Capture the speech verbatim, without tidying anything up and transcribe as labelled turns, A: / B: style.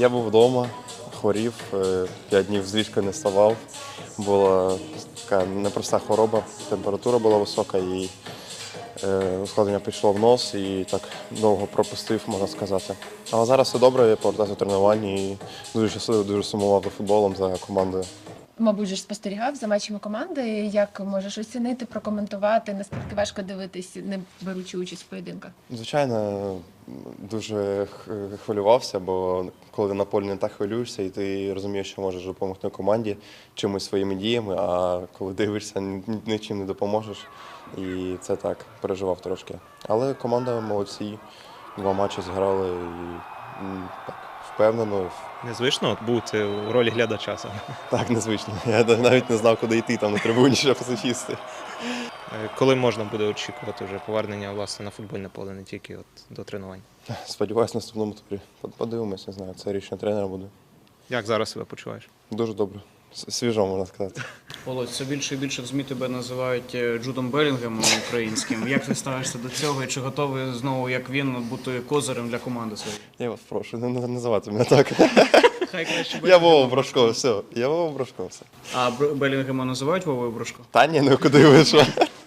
A: Я був вдома, хворів, е, п'ять днів з ліжка не вставав. Була така непроста хвороба, температура була висока і е, ускладнення пішло в нос і так довго пропустив, можна сказати. Але зараз все добре, я повертаюся до тренувань і дуже щасливий, дуже сумував за футболом, за командою.
B: Мабуть, же ж спостерігав за матчами команди. Як можеш оцінити, прокоментувати, наскільки важко дивитись, не беручи участь в поєдинках?
A: Звичайно, дуже х- хвилювався, бо коли на полі не так хвилюєшся, і ти розумієш, що можеш допомогти команді чимось своїми діями, а коли дивишся, ні- нічим не допоможеш. І це так, переживав трошки. Але команда молодці, два матчі зіграли і м, так, впевнено.
C: Незвично от бути у ролі глядача саме.
A: Так, незвично. Я навіть не знав, куди йти там на трибуні, щоб посичісти.
C: Е, Коли можна буде очікувати вже повернення власне на футбольне поле, не тільки от до тренувань?
A: Сподіваюсь, в наступному турі. Подивимось, не знаю, це рішення тренера буде.
C: Як зараз себе почуваєш?
A: Дуже добре. С- Свіжо, можна сказати.
D: Володь, все більше і більше в ЗМІ тебе називають е, Джудом Белінгемом українським. Як ти ставишся до цього і чи готовий знову, як він, бути козирем для команди своєї?
A: Я вас прошу, не не називати мене так.
D: Хай краще
A: Я Вова Брошко, все. Я Вова Брошко, все.
D: А Бр- Белінгема називають Вовою Брошко?
A: Та ні, ну куди ви що?